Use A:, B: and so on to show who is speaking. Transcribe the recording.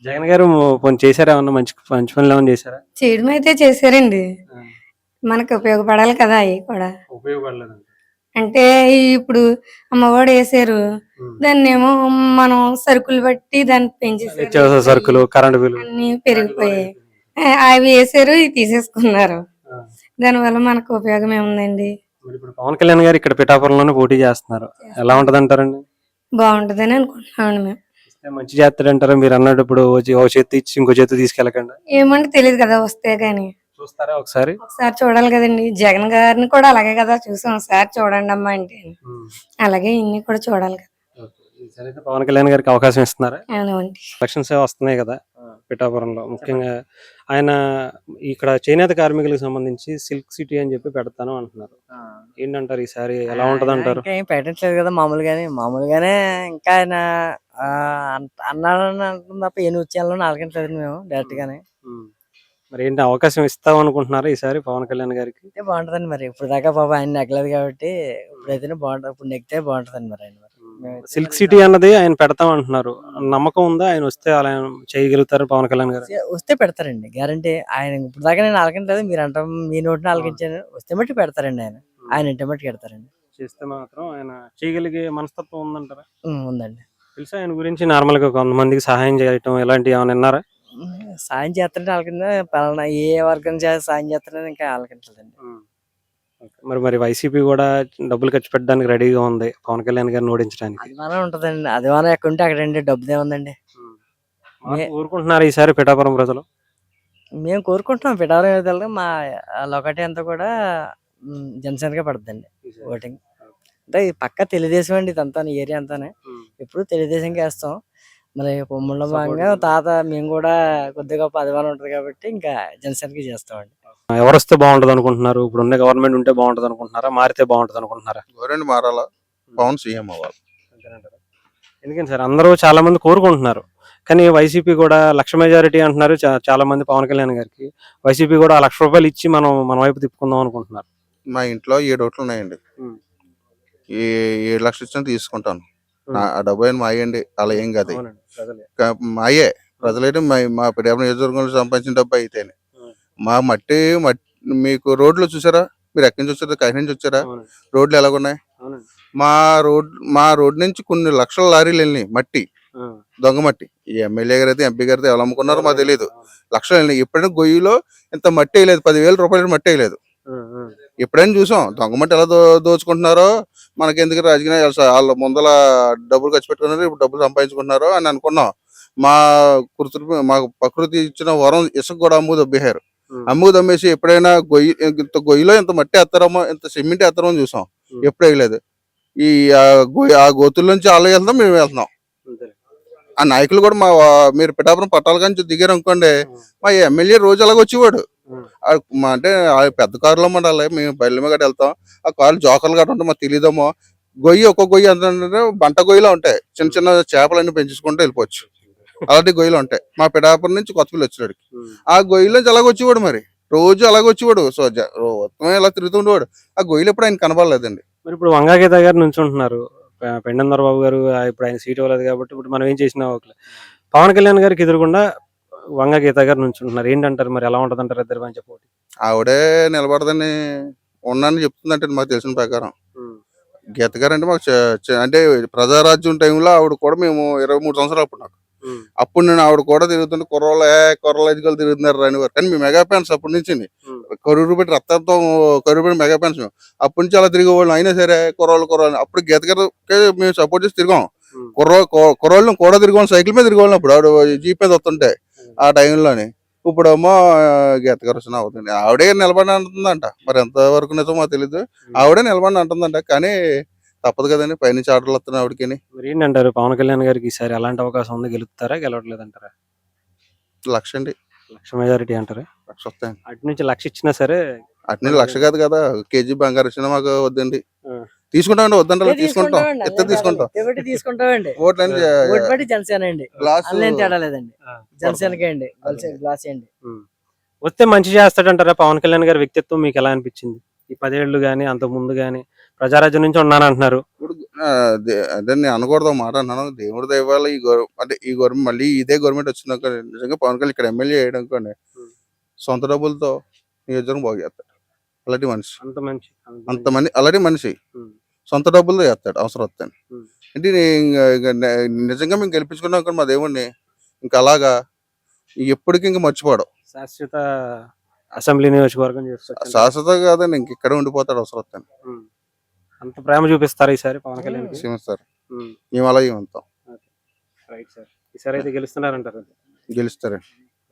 A: జగన్ గారు పోనీ చేశారా ఏమన్నా మంచి మంచి పనులు ఏమన్నా చేశారా?
B: చేయడం అయితే చేశారండి.
A: ఆ,
B: మనకు ఉపయోగపడాలి కదా అవి కూడా.
A: ఉపయోగపడలేదండి.
B: అంటే ఇప్పుడు అమ్మఒడి వేసారు.
A: ఉమ్.
B: దాన్నేమో మనం సరుకులు బట్టి దాన్ని పెంచేసారు.
A: నిత్యావసర సరుకులు, కరెంటు బిల్లు
B: అన్ని పెరిగిపోయాయి. అవి వేసారు, ఇవి తీసేసుకున్నారు. దానివల్ల మనకు ఉపయోగం ఏముందండి?
A: మరి ఇప్పుడు పవన్ కళ్యాణ్ గారు ఇక్కడ పిఠాపురంలోనే పోటీ చేస్తున్నారు. ఎలా ఉంటది అంటారండి?
B: బాగుంటదని అనుకుంటున్నామండి మేము.
A: ఇస్తే మంచి చేస్తాడంటారా? మీరు అన్నట్టు ఇప్పుడు ఓ చేతి ఇచ్చి ఇంకో చేతి తీసుకెళ్ళకుండా
B: ఏమంటే తెలియదు కదా వస్తే గాని.
A: చూస్తారా ఒకసారి?
B: ఒకసారి చూడాలి కదండి. జగన్ గారిని కూడా అలాగే కదా చూసాం. ఒకసారి చూడండి అమ్మా అంటే అలాగే ఇన్ని కూడా చూడాలి కదా.
A: ఈసారి అయితే పవన్ కళ్యాణ్ గారికి అవకాశం ఇస్తున్నారా?
B: అవునండి.
A: ఎలక్షన్స్ వస్తున్నాయి కదా పిఠాపురంలో. ముఖ్యంగా ఆయన ఇక్కడ చేనేత కార్మికులకు సంబంధించి సిల్క్ సిటీ అని చెప్పి పెడతాను అంటున్నారు. ఏంటంటారు ఈసారి ఎలా ఉంటది అంటారు?
C: ఇంకా ఏం పెట్టట్లేదు కదా, మామూలుగానే ఇంకా ఆయన అన్నాడని అంటుంది తప్ప ఏ న్యూస్ ఛానల్ అలగట్లేదు మేము డైరెక్ట్ గానే.
A: మరి ఏంటి అవకాశం ఇస్తాం అనుకుంటున్నారా ఈసారి పవన్ కళ్యాణ్ గారికి?
C: అయితే బాగుంటదండి. మరి ఇప్పుడు దాకా పాప ఆయన నెగ్గలేదు కాబట్టి ఇప్పుడైతేనే బాగుంటది. ఇప్పుడు నెగ్గితే బాగుంటదండి మరి ఆయన.
A: సిల్క్ సిటీ అన్నది ఆయన పెడతాం అంటున్నారు. నమ్మకం ఉందా ఆయన వస్తే అలా చేయగలుగుతారు పవన్ కళ్యాణ్ గారు?
C: వస్తే పెడతారండి గ్యారంటీ. ఆయన ఇప్పుడు దాకా నేను అలగట్లేదు, మీరు అంటాం మీ నోటిని అలగించాను. వస్తే మట్టి పెడతారండి ఆయన. ఆయన ఇంటి మట్టి పెడతారండి.
A: చేస్తే మాత్రం ఆయన చేయగలిగే మనస్తత్వం ఉందంటారా?
C: ఉందండి.
A: తెలుసా ఆయన గురించి? నార్మల్ గా కొంతమందికి సహాయం చేయటం ఇలాంటివి ఏమైనా విన్నారా?
C: సాయం చేస్తారంటే వాళ్ళ పలానా ఏ వర్గం సాయం చేస్తారని ఇంకా ఆలకించలేదండి.
A: మరి వైసీపీ కూడా డబ్బులు ఖర్చు పెట్టడానికి రెడీగా ఉంది పవన్ కళ్యాణ్ గారిని ఓడించడానికి.
C: అభిమానం ఉంటదండి. అభిమానం ఎక్కడ ఉంటే అక్కడండి డబ్బుదే ఉందండి.
A: ఊరుకుంటున్నారు ఈసారి పిఠాపురం ప్రజలు?
C: మేము కోరుకుంటున్నాం పిఠాపురం. మా లొకటి అంతా కూడా జనసేనగా పడుతుందండి ఓటింగ్. అంటే పక్క తెలుగుదేశం అండి ఇదంతా, ఏరియా అంతానే ఎప్పుడు తెలుగుదేశంకి వేస్తాం. మరి పొమ్ముళ్ళ భాగంగా తాత మేము కూడా కొద్దిగా గొప్ప అభిమానం ఉంటుంది కాబట్టి ఇంకా జనసేనకి చేస్తామండి.
A: ఎవరు వస్తే బాగుంటది అనుకుంటున్నారు? ఇప్పుడు ఉన్న గవర్నమెంట్ ఉంటే బాగుంటది అనుకుంటున్నారా, మారితే బాగుంటది అనుకుంటున్నారా?
D: గవర్నమెంట్ మారాలా, పవన్ సీఎం అవ్వాలి.
A: ఎందుకని సార్ అందరూ చాలా మంది కోరుకుంటున్నారు, కానీ వైసీపీ కూడా లక్ష మెజారిటీ అంటున్నారు చాలా మంది పవన్ కళ్యాణ్ గారికి. వైసీపీ కూడా ₹1,00,000 ఇచ్చి మన వైపు తిప్పుకుందాం అనుకుంటున్నారు.
D: మా ఇంట్లో 7 ఓట్లు ఉన్నాయండి. ఈ 7 లక్షలు ఇచ్చిన తీసుకుంటాను. ఆ డబ్బు అయినా మా అయ్యండి, అలా ఏం కాదు. మాయే ప్రజలైతే మా పిఠాపురం నియోజకవర్గంలో సంపాదించిన డబ్బు అయితేనే. మా మట్టి మీకు రోడ్లు చూసారా? మీరు ఎక్కడి నుంచి వచ్చారా? కాకినాడ నుంచి వచ్చారా? రోడ్లు ఎలాగున్నాయి? మా రోడ్ నుంచి కొన్ని లక్షల లారీలు వెళ్ళినాయి మట్టి, దొంగ మట్టి. ఈ ఎమ్మెల్యే గారు అయితే ఎంపీ గారితో ఎలా అమ్ముకున్నారో మాకు తెలియదు. లక్షలు వెళ్ళినాయి. ఎప్పుడైనా గొయ్యిలో ఇంత మట్టి వేయలేదు, ₹10,000 మట్టి వేయలేదు. ఎప్పుడైనా చూసాం దొంగ మట్టి ఎలా దోచుకుంటున్నారో. మనకి ఎందుకు రాజకీయ వాళ్ళ ముందల డబ్బులు ఖర్చు పెట్టుకున్నారు, ఇప్పుడు డబ్బులు సంపాదించుకుంటున్నారు అని అనుకున్నాం. మాకు ప్రకృతి ఇచ్చిన వరం ఇసుక కూడా అమ్ముకు దబ్బేశారు. అమ్ముకు దమ్మేసి ఎప్పుడైనా గొయ్యిలో ఇంత మట్టి ఎత్తారమో, ఇంత సిమెంట్ ఎత్తారమో చూసాం. ఎప్పుడు వేయలేదు. ఆ గోతుల నుంచి వాళ్ళు వెళ్తాం, మేము వెళ్తున్నాం. ఆ నాయకులు కూడా మీరు పిఠాపురం పట్టాల కానీ దిగారు అనుకోండి, మా ఎమ్మెల్యే రోజు అలాగ వచ్చేవాడు. అంటే పెద్ద కారులో ఉండాలి, మేము బయలు మీద వెళ్తాం. ఆ కార్లు జోకర్లు గట్రా ఉంటాయి, మాకు తెలియదేమో. ఒక్కొక్క గొయ్యి ఎంత బంట గొయ్యిలో ఉంటాయి. చిన్న చిన్న చేపలన్నీ పెంచుకుంటూ వెళ్ళిపోవచ్చు. అలాంటి గొయ్యిలు ఉంటాయి. మా పిఠాపురం నుంచి కొత్తపల్లి వచ్చేవాడు. ఆ గొయ్యిలో నుంచి అలాగ వచ్చేవాడు, మరి రోజు అలాగ వచ్చేవాడు. సో మొత్తం ఇలా తిరుగుతుండేవాడు. ఆ గొయ్యిలు ఎప్పుడు ఆయన కనబడలేదండి.
A: మరి ఇప్పుడు వంగాగీత గారు నుంచి ఉంటున్నారు, పెండందర్ బాబు గారు ఇప్పుడు ఆయన సీట్ ఇవ్వలేదు కాబట్టి ఇప్పుడు మనం ఏం చేసినా పవన్ కళ్యాణ్ గారికి ఎదురుకుండా వంగాగీత గారు నుంచి ఉంటున్నారు. ఏంటంటారు మరి? ఎలా ఉంటది అంటారు ఇద్దరు మంచి పోటీ?
D: ఆవిడే నిలబడదని ఉన్నానని చెప్తుందంటే మాకు తెలిసిన ప్రకారం. గీత గారు అంటే మాకు అంటే ప్రజారాజ్యం టైంలో ఆవిడ కూడా మేము 23 సంవత్సరాలు అప్పుడు నాకు. అప్పుడు నేను ఆవిడ కూడా తిరుగుతుంటే కుర్రోళ్ళు ఎదుగులు తిరుగుతున్నారు రానివారు. కానీ మేము మెగా ఫ్యాన్స్ అప్పటి నుంచి. కరూరు పెట్టి రక్తంతో కరూరు పెట్టి మెగా ఫ్యాన్స్ మేము. అప్పటి నుంచి అలా తిరిగేవాళ్ళం. అయినా సరే కుర్రోళ్ళు అప్పుడు గీత గారికి మేము సపోర్ట్ చేసి తిరిగాం. కుర్రోళ్ళని కూడా తిరిగాం, సైకిల్ మీద తిరిగేవాళ్ళం. అప్పుడు ఆవిడ జీప్ మీద వస్తుంటే ఆ టైంలోని. ఇప్పుడేమో గీత గారు వచ్చిన అవుతుంది. ఆవిడే నిలబడి అంటుందంట. మరి ఎంతవరకు నిజమో మాకు తెలీదు. ఆవిడే నిలబడి అంటుందంట. కానీ తప్పదు కదండి, పైనుంచి ఆర్డర్లు వస్తున్నాయి ఆవిడకి.
A: మరి ఏంటంటారు పవన్ కళ్యాణ్ గారికి ఈసారి ఎలాంటి అవకాశం ఉంది? గెలుస్తారా, గెలవట్లేదు అంటారా?
D: 1,00,000 అండి.
A: 1,00,000 మెజారిటీ అంటారా?
D: 1,00,000 వస్తాయండి.
A: అటు నుంచి 1,00,000 ఇచ్చినా సరే.
D: అటు నుంచి 1,00,000 కాదు కదా, కేజీ బంగారు ఇచ్చినా మాకు వద్దండి. తీసుకుంటామండి, వద్దంటే తీసుకుంటాం.
C: తీసుకుంటామండి. ఓట్లు జనసేన అండి, తేడా లేదండి. జనసేనకే అండి, గ్లాస్ అండి.
A: వస్తే మంచి చేస్తాడంటారా? పవన్ కళ్యాణ్ గారి వ్యక్తిత్వం మీకు ఎలా అనిపించింది? ఈ 10 ఏళ్ళు గానీ అంతకు ముందు గానీ ప్రజారాజ్యం నుంచి ఉన్నానంటున్నారు.
D: అదే నేను అనకూడదు ఒక మాట అన్నాను. దేవుడి దయ వల్ల అంటే ఈ గవర్నమెంట్ మళ్ళీ ఇదే గవర్నమెంట్ వచ్చిందనుకో నిజంగా పవన్ కళ్యాణ్ ఇక్కడ ఎమ్మెల్యే అయ్యాడు అనుకోండి, సొంత డబ్బులతో నియోజకవర్గం బాగు చేస్తాడు. అలాంటి మనిషి,
A: అంత మంచి
D: అంతమంది అలాంటి మనిషి
A: ఉమ్,
D: సొంత డబ్బులతో చేస్తాడు అవసరం వస్తాను.
A: ఉమ్.
D: అంటే నిజంగా మేము గెలిపించుకున్నాం అనుకోండి మా దేవుడిని, ఇంకా అలాగా ఎప్పటికీ ఇంకా మర్చిపోవడం.
A: శాశ్వత అసెంబ్లీ నియోజకవర్గం చేసుకోవచ్చు.
D: శాశ్వత కాదండి, ఇంక ఇక్కడే ఉండిపోతాడు అవసరం వస్తాను.
A: అంత ప్రేమ చూపిస్తారు ఈసారి పవన్ కళ్యాణ్
D: సార్ మేము అలాగే ఉంటాం.
A: Right sir. ఈసారి అయితే గెలుస్తున్నారంటారు.
D: గెలుస్తారండి.